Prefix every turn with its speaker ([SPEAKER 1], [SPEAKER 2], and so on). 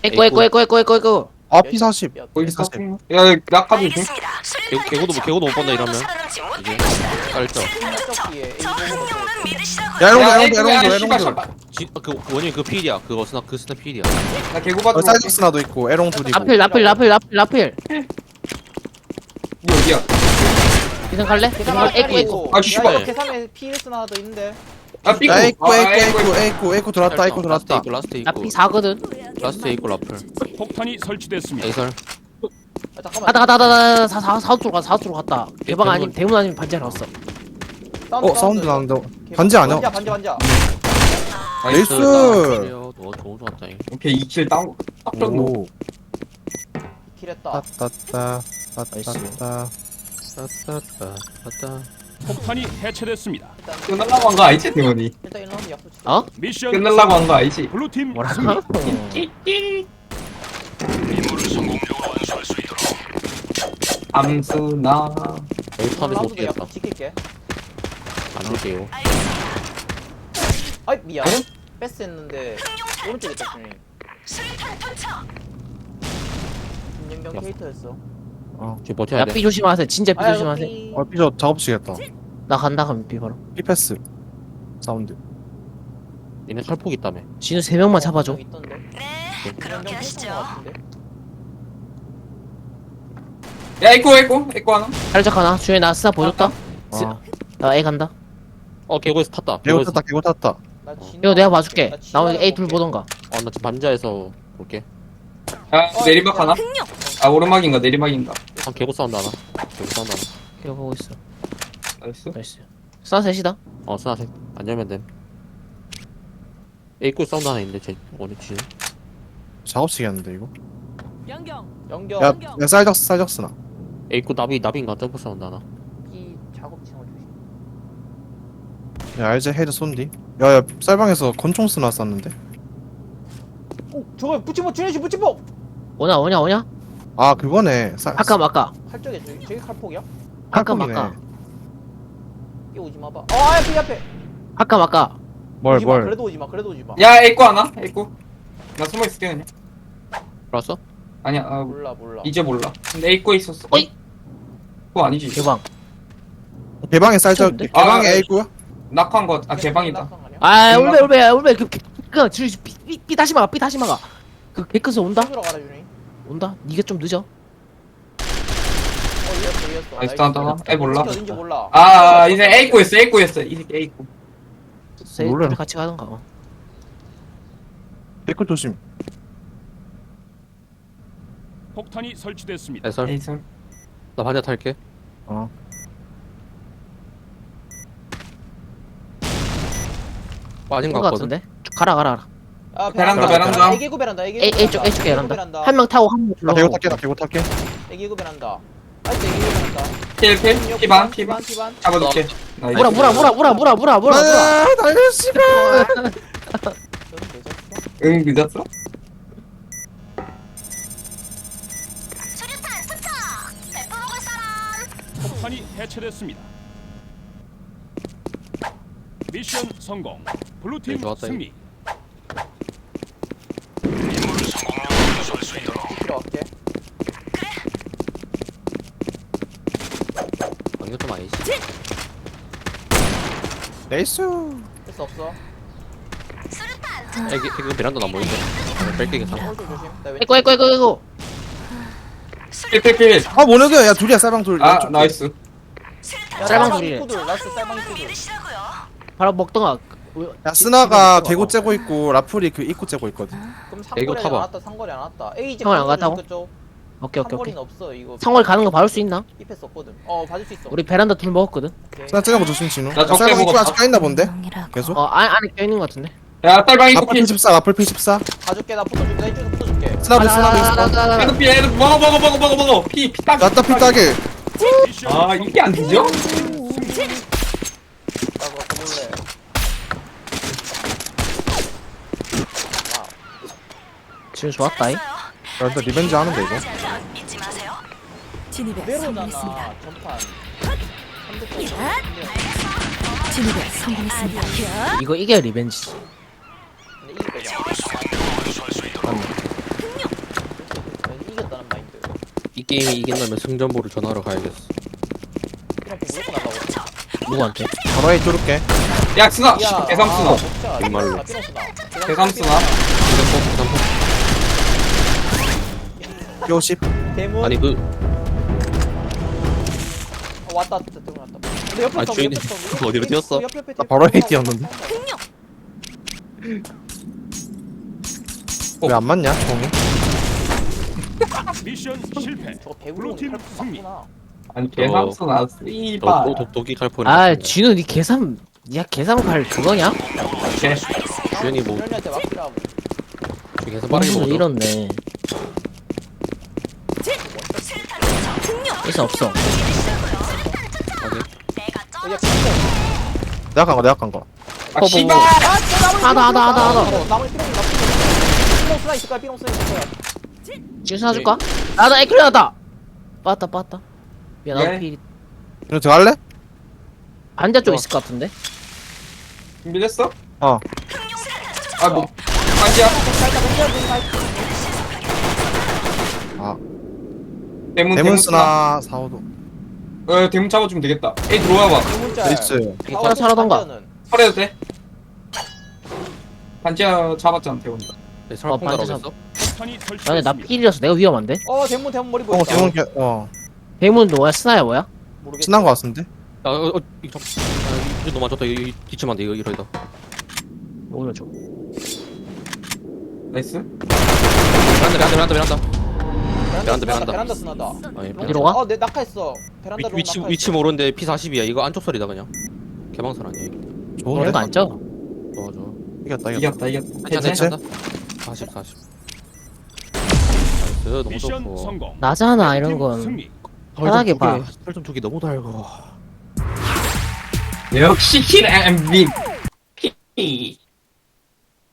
[SPEAKER 1] 에이코.
[SPEAKER 2] 아 P40 거기 40
[SPEAKER 3] 야, 낙하 조심.
[SPEAKER 4] 개고도 못 본다 이러면 이제 깔죠.
[SPEAKER 2] 야
[SPEAKER 3] 야,
[SPEAKER 2] 에롱들
[SPEAKER 3] 씨발, 씨발.
[SPEAKER 4] 그 원인 그 필이야. 그거 그 스나 필이야.
[SPEAKER 3] 나 개구 받으러
[SPEAKER 2] 사이드스나도 있고 에롱 둘이고
[SPEAKER 1] 라필.
[SPEAKER 3] 뭐 어디야?
[SPEAKER 1] 이상 갈래? 에이코.
[SPEAKER 3] 아, 씨발.
[SPEAKER 5] 계산에 PS 하나 더 있는데.
[SPEAKER 3] 아, 삐꾸.
[SPEAKER 2] 야 에이코
[SPEAKER 3] 아, 에이코.
[SPEAKER 2] 에이코 들어왔다 에이코 들어왔다
[SPEAKER 4] 라스트 있고.
[SPEAKER 1] 라피 4거든.
[SPEAKER 4] 라스트 있고 라플.
[SPEAKER 6] 폭탄이 설치됐습니다.
[SPEAKER 4] 에이설.
[SPEAKER 5] 잠깐만.
[SPEAKER 1] 가다. 사우쪽으로 갔다. 대방 아니면 대문 아니면 반지 나왔어.
[SPEAKER 2] 사운드 나는데 반지 아니야?
[SPEAKER 5] 반지.
[SPEAKER 2] 나이스.
[SPEAKER 4] 너 너무 좋았다. 잉.
[SPEAKER 3] 오케이, 2킬 다운. 딱 정도.
[SPEAKER 2] 오
[SPEAKER 5] 킬했다.
[SPEAKER 2] 따따따
[SPEAKER 6] 폭탄이 해체됐습니다.
[SPEAKER 3] 끝날라고 한 거 아니지, 대원이?
[SPEAKER 5] 일단 1라운드 약속 치자.
[SPEAKER 1] 어?
[SPEAKER 6] 미션
[SPEAKER 3] 끝날라고 한 거 아니지?
[SPEAKER 6] 블루팀
[SPEAKER 1] 뭐라고?
[SPEAKER 3] 암수나.
[SPEAKER 4] 여기 탑에서
[SPEAKER 5] 1라운드도
[SPEAKER 4] 어떻게 했다.
[SPEAKER 5] 약속 지킬게.
[SPEAKER 4] 안 줄게요.
[SPEAKER 5] 아이 미안. 패스 했는데 오른쪽에 있다 주님. 김연경 캐릭터였어.
[SPEAKER 4] 지금 버텨야 돼.
[SPEAKER 1] 야삐 조심하세요. 진짜 삐 조심하세요.
[SPEAKER 2] B저 작업치겠다
[SPEAKER 1] 나 간다 그럼 삐 바로.
[SPEAKER 2] B패스 사운드
[SPEAKER 4] 얘네 살폭 있다며.
[SPEAKER 1] 진우 3명만 잡아줘.
[SPEAKER 5] 있던데.
[SPEAKER 7] 네, 그렇게 하시죠.
[SPEAKER 3] 야, 에이코 하나.
[SPEAKER 1] 살짝 하나. 주에 나 스나 보여줬다.
[SPEAKER 2] 아
[SPEAKER 1] 나 A 간다.
[SPEAKER 4] 개고에서 탔다.
[SPEAKER 2] 개고 탔다
[SPEAKER 1] 이거 내가 봐줄게. 나 오늘 A 둘 보던가.
[SPEAKER 4] 나 지금 반자에서 볼게.
[SPEAKER 3] 야, 내리막 하나? 아, 오르막인가, 내리막인가.
[SPEAKER 4] 개고 사운드 하나. 개고 사운드 하나.
[SPEAKER 1] 이거 보고 있어.
[SPEAKER 3] 알았어?
[SPEAKER 1] 나이스. 스나 셋이다.
[SPEAKER 4] 스나 색. 안 열면 됨. 에이쿠 사운드 하나 있는데 제 원이 뒤에.
[SPEAKER 2] 작업치겠는데 이거
[SPEAKER 7] 연경.
[SPEAKER 5] 연경.
[SPEAKER 2] 야 쌀적스나
[SPEAKER 4] 에이쿠 나비인가 점프 사운드 하나.
[SPEAKER 5] 이 작업층을 조심.
[SPEAKER 2] 야 알제 헤드 쏜디 야야 쌀방에서 권총 쓰나 쐈는데
[SPEAKER 5] 오 저거 붙이모 준현씨 붙이모.
[SPEAKER 1] 오냐?
[SPEAKER 2] 아 그거네
[SPEAKER 1] 아까.
[SPEAKER 5] 칼쪽에 저기 칼폭이야?
[SPEAKER 1] 아까.
[SPEAKER 5] 이 오지 마봐. 앞에.
[SPEAKER 1] 아까.
[SPEAKER 2] 뭘
[SPEAKER 5] 그래도 오지 마.
[SPEAKER 3] 야, 에이코 하나? 에이코. 나 숨어 있을게, 그냥.
[SPEAKER 4] 들어왔어?
[SPEAKER 3] 아니야,
[SPEAKER 5] 몰라.
[SPEAKER 3] 이제 몰라. 근데 에이코에 있었어.
[SPEAKER 1] 어이?
[SPEAKER 3] 그거 아니지.
[SPEAKER 1] 개방.
[SPEAKER 2] 개방에 쌀적
[SPEAKER 1] 좋은데?
[SPEAKER 2] 개방에
[SPEAKER 3] 아,
[SPEAKER 2] A구야?
[SPEAKER 3] 낙한 거, 개방이다.
[SPEAKER 1] 아 울베. 삐 다시 막아. 그 개크스 온다?
[SPEAKER 5] 들어가라 준이.
[SPEAKER 1] 온다? 니가 좀 늦어.
[SPEAKER 5] 이겼어.
[SPEAKER 3] 나이스, 하나. 몰라.
[SPEAKER 5] 어딘지 몰라.
[SPEAKER 3] 이제 에이코였어. 이 새끼 에이코.
[SPEAKER 2] 몰라요.
[SPEAKER 1] 둘이 같이 가던가.
[SPEAKER 2] 개코 조심
[SPEAKER 6] 폭탄이 설치됐습니다.
[SPEAKER 4] 에이설.
[SPEAKER 3] 에이설.
[SPEAKER 4] 나 반자 탈게.
[SPEAKER 2] 어
[SPEAKER 4] 빠진 거
[SPEAKER 1] 온거
[SPEAKER 4] 같거든.
[SPEAKER 1] 같은데? 가라.
[SPEAKER 3] 베란다.
[SPEAKER 5] 애기구 베란다.
[SPEAKER 1] A 쪽 베란다. 한 명 타고 한 명
[SPEAKER 2] 나
[SPEAKER 1] 불러.
[SPEAKER 2] 개고 탈게
[SPEAKER 5] 애기구 베란다. 아직 애기구 베란다.
[SPEAKER 3] 필, 피반. 잡아둘게. 나이스.
[SPEAKER 1] 물어.
[SPEAKER 2] 나이스 씨발
[SPEAKER 3] 응, 늦었어?
[SPEAKER 7] 수류탄 투척. 배포 먹을 사람.
[SPEAKER 6] 폭탄이 해체됐습니다. 미션 성공. 블루팀
[SPEAKER 4] 네, 좋았다,
[SPEAKER 6] 승리.
[SPEAKER 5] 들어갈게.
[SPEAKER 4] 이거 좀 아니지.
[SPEAKER 2] 나이스
[SPEAKER 5] 패스 없어.
[SPEAKER 7] 수류탄.
[SPEAKER 4] 이거 베란다 나 보이는데. 뺄게 괜찮아.
[SPEAKER 5] 오른쪽 조심. 나 왼쪽.
[SPEAKER 1] 이거.
[SPEAKER 3] 필.
[SPEAKER 2] 아 뭐냐고 야 둘이야 쌀방 둘
[SPEAKER 3] 아,
[SPEAKER 2] 왼쪽.
[SPEAKER 3] 나이스.
[SPEAKER 1] 쌀방 둘이래.
[SPEAKER 5] 입구들. 라스트 쌀방 입구들.
[SPEAKER 7] 믿으시라고요.
[SPEAKER 1] 바로 먹던가.
[SPEAKER 2] 야 스나가 개고 째고 있고 라풀이 그 입구 째고 있거든
[SPEAKER 5] 그럼
[SPEAKER 4] 애기구
[SPEAKER 5] 상거리 안
[SPEAKER 4] 타봐.
[SPEAKER 5] 왔다. 상거리 안 왔다. A 이제
[SPEAKER 1] 상거리 안 갔다고? 오케이.
[SPEAKER 5] 상거리는 없어 이거.
[SPEAKER 1] 상월 가는 거 봐줄 수 있나?
[SPEAKER 5] 이 패스 없거든. 봐줄 수 있어.
[SPEAKER 1] 우리 베란다 둘 먹었거든.
[SPEAKER 5] 오케이.
[SPEAKER 2] 스나 째는 거 조심 진우
[SPEAKER 3] 나 적게
[SPEAKER 2] 쌀방 입구
[SPEAKER 3] 먹었다.
[SPEAKER 2] 아직 까있나 본데? 계속?
[SPEAKER 1] 안에 껴있는 거 같은데.
[SPEAKER 3] 야, 딸방 에이코
[SPEAKER 2] 라풀
[SPEAKER 3] 필.
[SPEAKER 2] P14 라풀 P14
[SPEAKER 5] 봐줄게. 나 붙어줄게. 나 이쪽에서 붙어줄게.
[SPEAKER 2] 스나도 있어
[SPEAKER 3] 에이코 필, 에이코 먹어. 피 딱.
[SPEAKER 2] 나따 P 따게
[SPEAKER 6] 미션
[SPEAKER 3] 아, 이게 안 되죠?
[SPEAKER 5] 나 그거 볼래.
[SPEAKER 1] 지금 좋았다. 이.
[SPEAKER 2] 야 일단 리벤지 하는데 이거
[SPEAKER 7] 잊지 마세요.
[SPEAKER 8] 진입에
[SPEAKER 5] 그대로잖아.
[SPEAKER 8] 성공했습니다.
[SPEAKER 5] 전판.
[SPEAKER 8] 진입에 성공했습니다.
[SPEAKER 1] 이거 이게 리벤지지.
[SPEAKER 5] 근데 이게 빼자.
[SPEAKER 4] 게임이 이긴다면 승전보를 전화로 가야겠어.
[SPEAKER 5] 무조건 날라오고.
[SPEAKER 1] 누구한테?
[SPEAKER 2] 바로 A 뚫을게.
[SPEAKER 3] 야 스나
[SPEAKER 5] 야,
[SPEAKER 3] 대삼 스나
[SPEAKER 5] 아, 진짜.
[SPEAKER 4] 정말로.
[SPEAKER 5] 아, 삐롱 쓰나.
[SPEAKER 3] 대삼 스나
[SPEAKER 2] P50.
[SPEAKER 5] 대문.
[SPEAKER 4] 아니 그
[SPEAKER 5] 왔다. 대문 왔다. 근데 옆에
[SPEAKER 4] 아니,
[SPEAKER 5] 있어,
[SPEAKER 4] 주인이
[SPEAKER 5] 옆에 있어.
[SPEAKER 4] 그 어디로 뛰었어?
[SPEAKER 2] 나 바로 A 뛰었는데. 왜 안 맞냐, 종이?
[SPEAKER 6] 미션 실패.
[SPEAKER 5] 저거 배우는
[SPEAKER 6] 블루팀 승리.
[SPEAKER 3] 아니 대삼 스나 씨발
[SPEAKER 4] 독이 칼포니.
[SPEAKER 1] 아 진우 니 계산 야 계산 갈 그거냐?
[SPEAKER 3] 개
[SPEAKER 4] 주연이 뭐
[SPEAKER 5] 주현이한테 맡기라고.
[SPEAKER 4] 계속 빠르게
[SPEAKER 1] 무슨
[SPEAKER 4] 먹어.
[SPEAKER 1] 이렇네. 있어 없어.
[SPEAKER 5] 야, 진짜.
[SPEAKER 2] 내가 간 거.
[SPEAKER 3] 아 씨발
[SPEAKER 1] 하다.
[SPEAKER 5] 나머지 삐롱 쓰나 있을 거야. 삐롱 쓰나 있을 거야.
[SPEAKER 1] 지금 사줄까? 나도 에클리 나다. 빠았다. 야 나도
[SPEAKER 3] 예.
[SPEAKER 1] 피
[SPEAKER 2] 이거 들어갈래?
[SPEAKER 1] 반대 쪽 있을 것 같은데.
[SPEAKER 3] 준비됐어?
[SPEAKER 2] 어.
[SPEAKER 3] 아뭐 반지야
[SPEAKER 2] 아,
[SPEAKER 3] 대문
[SPEAKER 2] 대문 쓰나 4호도.
[SPEAKER 3] 대문 잡아주면 되겠다. 에이 들어와봐.
[SPEAKER 5] 대문자.
[SPEAKER 2] 나이스.
[SPEAKER 1] 하나 사라던가.
[SPEAKER 3] 설해도 돼? 반지야 잡았잖아 대문이가.
[SPEAKER 4] 네, 설마
[SPEAKER 1] 반지
[SPEAKER 4] 폰가라고 했어?
[SPEAKER 6] 폭탄이
[SPEAKER 1] 아니 나
[SPEAKER 6] 설치됐습니다.
[SPEAKER 1] 필이라서 내가 위험한데.
[SPEAKER 5] 대문 머리
[SPEAKER 2] 어,
[SPEAKER 5] 보였다.
[SPEAKER 2] 대문
[SPEAKER 1] 대문도 뭐야? 스나야 뭐야?
[SPEAKER 5] 모르겠어.
[SPEAKER 2] 친한 거 같은데?
[SPEAKER 4] 이거 너무 맞췄다. 이거 뒤치면 안 돼. 이거 이러다.
[SPEAKER 1] 오른쪽.
[SPEAKER 3] 나이스.
[SPEAKER 4] 베란다.
[SPEAKER 5] 베란다 쓰나다.
[SPEAKER 4] 아니,
[SPEAKER 1] 어디로 가?
[SPEAKER 5] 내 낙하했어. 베란다
[SPEAKER 4] 위치 모르는데 P40이야. 이거 안쪽 소리다 그냥. 개방선 아니야 이거.
[SPEAKER 2] 좋은데?
[SPEAKER 1] 이거 안 쪄?
[SPEAKER 4] 좋아.
[SPEAKER 2] 이겼다.
[SPEAKER 3] 이겼다.
[SPEAKER 4] 괜찮아. 40. 나이스. 너무
[SPEAKER 6] 미션
[SPEAKER 4] 좋고.
[SPEAKER 6] 성공.
[SPEAKER 1] 나잖아 이런
[SPEAKER 6] 팀
[SPEAKER 1] 건.
[SPEAKER 6] 승리.
[SPEAKER 1] 편하게 봐.
[SPEAKER 4] 설정 두개 너무 달고.
[SPEAKER 3] 역시 킬 MVP.